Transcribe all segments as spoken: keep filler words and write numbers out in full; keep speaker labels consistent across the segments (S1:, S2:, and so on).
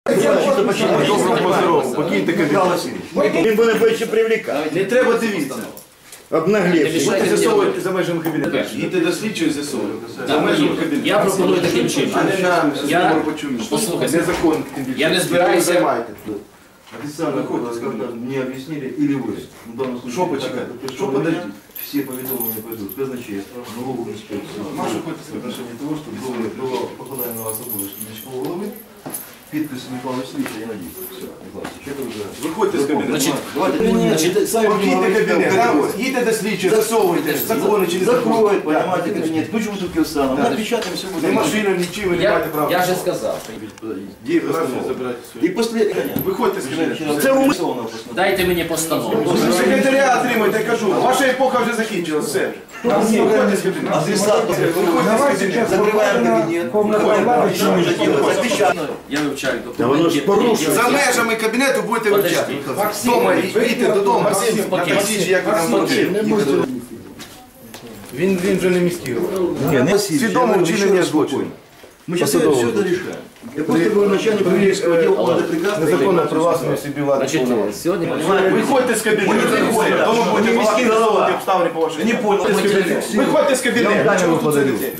S1: Покиньте кабінет.
S2: Він буде більше привлекати.
S1: Не треба дивитися.
S2: Обнаглівши.
S1: Будете з'ясовувати за межами кабінету. Їдьте до слідчого і з'ясовувати. За межами кабінету.
S3: Я пропоную таким чином.
S1: А не нам,
S3: Я-
S1: що почуємо.
S3: Послухайте.
S1: Незаконно, тим більше.
S3: Я не
S1: Ви
S3: збираюся-
S1: займаєте.
S4: Официально, когда мне объяснили, или вы, в данном случае,
S1: Что почекать?
S4: так,
S1: Что
S4: что
S1: подожди?
S4: все поведомления пойдут в казначейство, налоговую инспекцию.
S1: Маша хоче
S4: В отношении того, что было, было покладание на вас обов'язки міського голови, підпис Михайла Васильовича, я надеюсь. Все, Михайло Васильевич, это уже...
S1: Виходьте з кабінету.
S3: Значить,
S4: Давайте,
S3: значить,
S1: Покиньте кабінет. Там їдьте до слідчого, засовуйте. Закони чи не
S4: закроют,
S1: закони.
S4: понимаете, кабинет, ключ в бутылке встану,
S1: Да.
S4: напечатаем, все
S1: Ні
S4: будет.
S1: машину, нічим, ви не
S3: Я,
S1: маєте права.
S3: я же сказав.
S4: Где
S1: забирати
S4: И после...
S1: Виходьте з кабінету.
S4: Це умислено.
S3: Дайте мені постанову.
S1: Секретаря отримайте, я кажу. Ваша епоха вже закінчилась, все. Виходьте з кабінету.
S4: Адресат,
S1: Виходьте з кабінету.
S4: закрываем кабинет. Что нужно делать? Запечатать.
S3: Я вивчаю
S2: воно ж
S3: документи.
S2: порушує.
S1: За межами кабінету будете вивчати.
S3: Подожди.
S1: Дома, їдьте додому.
S3: Максим, спокійно.
S1: Напишіть, як ви там будете. Він, він вже не міський голова. Свідоме вчинення злочину.
S4: Мы сейчас все это решаем. Я просто говорю начальнику юридического отдела, надо прекрасно...
S1: Незаконно привласнення собі влади
S3: Значить,
S1: повноважень.
S3: сьогодні...
S1: Виходьте з кабінету.
S4: виходимо.
S1: Тому будете
S4: Міський
S1: балакати
S4: голова.
S1: за обставини по вашій.
S4: Не понял.
S1: Виходьте з кабінету. Чому тут сидите?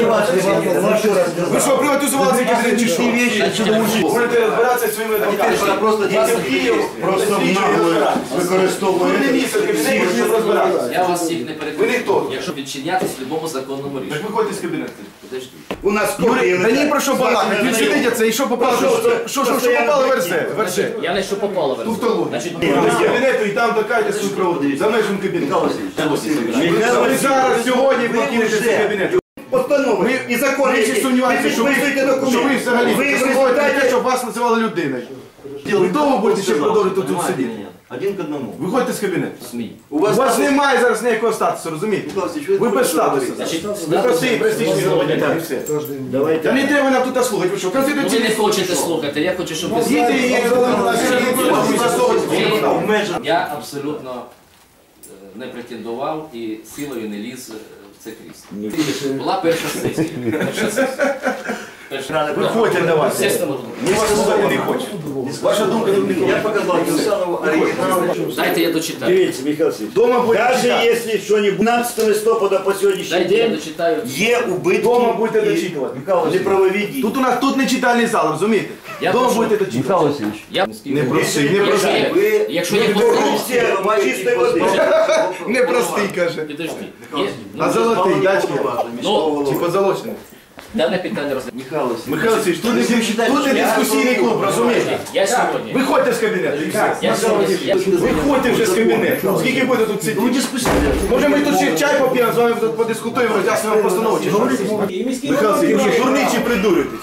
S1: Ви що, приватизували цей кабінет чи що? Будете розбиратися зі своїми адвокатами.
S4: Просто
S1: Їдьте в Київ,
S2: Просто нагло використовує.
S1: ви не місце в кабінеті, ви не розбиратися.
S3: Я вас всіх не
S1: Ви
S3: переконую.
S1: ніхто.
S3: Якщо відчинятись в будь-якому законному
S1: Так
S3: рішенні.
S1: виходьте з кабінету.
S3: Подожди.
S2: У нас
S1: Юрій,
S2: копії
S1: та ні
S2: лежать.
S1: про що балакати. Він сидить це і що попало, що, що, що, що попало верзе. Верзе.
S3: Я не що попало в
S1: Туфтологія.
S3: Значить,
S1: Виходьте з кабінету і там докайте свою проводить. За межами кабінету. Ви зараз, сьогодні покинете цей кабінет.
S2: Постанови і закони.
S1: Ви ще сумніваєтеся, що ви, що ви взагалі
S2: Ви
S1: заслуговуєте на те,
S2: результаті
S1: щоб вас називали людиною. Ви довго будете ще продовжувати тут сидіти?
S4: Один к одному.
S1: Виходьте з кабінету.
S3: СМІ.
S1: У вас немає зараз ніякого статусу, розумієте? Ви без статусу.
S3: Значить,
S1: Ви простий, престижний громадянин і все. Та не треба нам тут слухати, ви що,
S3: Ну, ви не
S1: конституційний суд.
S3: хочете слухати, я хочу, щоб ви
S1: Їдьте і
S3: Ви- Я абсолютно е, не претендував і силою не ліз е, в це крісло. Була перша сесія. Перша сесія. Перша.
S1: Виходьте на вас.
S3: Естественно,
S1: Ні вас слухати не хоче. Ваша думка не
S4: Я
S1: вникла.
S4: показал Кирсанову оригинал.
S3: дайте я дочитаю.
S2: Дивіться, Михайло Васильович.
S1: Дома будете
S2: Навіть
S1: читати.
S2: якщо що-нибудь п'ятнадцятого листопада по сьогоднішній
S3: Дайте я
S2: день
S3: дочитаю.
S2: є убитки
S1: Дома будете
S2: і
S1: дочитувати.
S2: неправові дії.
S1: Тут у нас тут не читальний зал, розумієте?
S3: Я
S1: Дома
S3: прошу.
S1: будете дочитувати.
S4: Васильевич.
S3: Я
S1: Не простий, не
S3: Якщо
S1: простий.
S3: є-
S4: Ви-
S3: Якщо є
S4: ви
S3: постанова,
S2: Корупція чистої води.
S1: Не простий, каже.
S3: підожди. Є-
S1: А золотий, дачки.
S3: Ну,
S1: Чи позолочений?
S3: дане питання розгляд.
S4: Михайло Васильевич.
S1: Михайло Васильович, тут не, тут не дискусійний клуб, розумієте?
S3: Я сьогодні.
S1: Виходьте з кабінету. і все.
S3: Я сьогодні. я-
S1: Виходьте вже з кабінету. Скільки буде тут сидіти? Може ми тут ще чай поп'ємо, з вами тут подискутуємо, роз'яснимо постанову, чи що? Михайло Васильович, дурний чи придуритесь?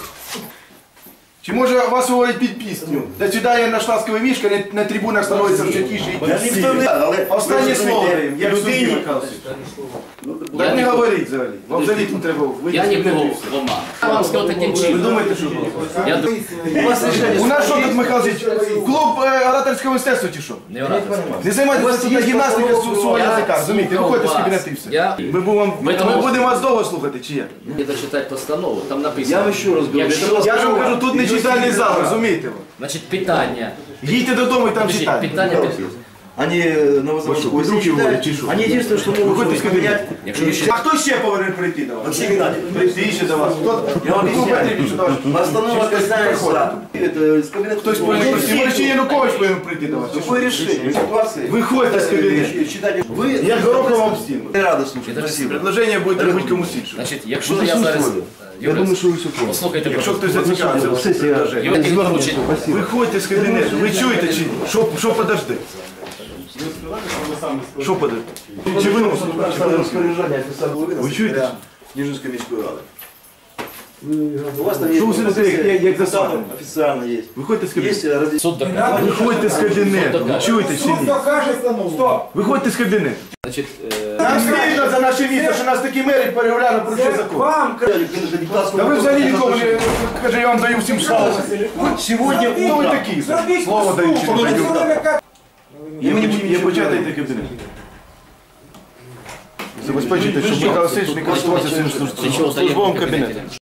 S1: Чи може вас говорять під пісню? До свидання на штатського мішка, на, на трибунах становиться все тише і
S2: Я ніхто не... Але
S1: Останнє
S2: ви
S1: слово
S2: розумієте,
S1: даємо, як судді,
S2: людині...
S1: Михайло Васильович.
S3: Я
S1: Так не
S3: нікого-
S1: говоріть взагалі. Вам взагалі тут треба вийти.
S3: Я нікого в оману. Я вам сказав таким
S1: Ви
S3: чином.
S1: думаєте, що було?
S3: Я думаю,
S1: У вас рішення. У нас що тут, Михайло Васильович, клуб е, ораторського мистерства чи що?
S3: не ораторський.
S1: Не займайтеся тут на гімнастика су- свого язика, розумієте? Виходьте з кабінету і все.
S3: Я-
S1: Ми, будемо,
S3: Ми
S1: ми
S3: тому-
S1: будемо вас довго слухати, чи як?
S3: Я дочитати постанову, там
S4: Я
S3: написано.
S4: вам еще раз говорю.
S3: Якщо-
S4: это
S1: Я ж вам кажу, тут не читальний зал, розумієте? ви?
S3: Значить, питання.
S1: Їдьте додому і там
S3: Подожди,
S1: читайте.
S3: питання під...
S4: Они Новозаводскую
S1: Вы руки уводите, что?
S4: Они единственное, что могут
S1: Выходите из кабинета.
S3: Якщо ви ще...
S1: А хто ще повинен прийти до вас?
S4: Алексей Геннадьевич,
S1: Прийти ще до вас. Хто?
S4: я вам
S1: Ну,
S4: объясняю.
S1: потрібно, що до вас.
S4: Постанова касается это, с кабинета.
S1: Хтось повинен прийти. Може, ще Янукович повинен прийти до вас.
S4: Какое решение? Ситуации.
S1: Виходьте з кабінету.
S4: Читайте. Вы...
S1: Я горохом вам стіну.
S4: Я рада слушать. Спасибо.
S1: Предложення буде робити комусь іншому.
S3: Значить, якщо я зараз...
S4: Я думаю, что вы все поняли.
S3: Послухайте,
S1: Якщо
S3: прошу.
S1: хтось зацікавився в цьому предложенні.
S3: Юрій Вікторович,
S1: Виходьте з кабінету. Ви чуєте чи ні? Що, що подожди? Що подожди? Чи ви носите?
S4: Распоряжение официального головы
S1: Ви чуєте?
S4: Нижинской міської ради. У вас там есть...
S1: Що ви сидите, як- як- як засаджені?
S4: Официально есть.
S1: Виходьте з кабінету.
S4: Есть разъяснение.
S3: суд доказує.
S1: Виходьте з кабінету. Ви чуєте чи ні?
S5: Стоп!
S1: Виходьте з кабінету.
S3: Значить, е,
S1: Нам стидно за наше місто, що нас такі мери переглянули про цей закон.
S5: Вам,
S1: Та ви взагалі нікому не... Каже, я вам даю всім слово.
S4: Сегодня
S1: Хто ви
S4: утром...
S1: такі? Слово даю чи не даю? І ми не будемо є почати йти кабінет. Забезпечуйте, щоб Михайло Васильович не користувався цим
S3: Для чого
S1: службовим
S3: даємо
S1: кабінетом.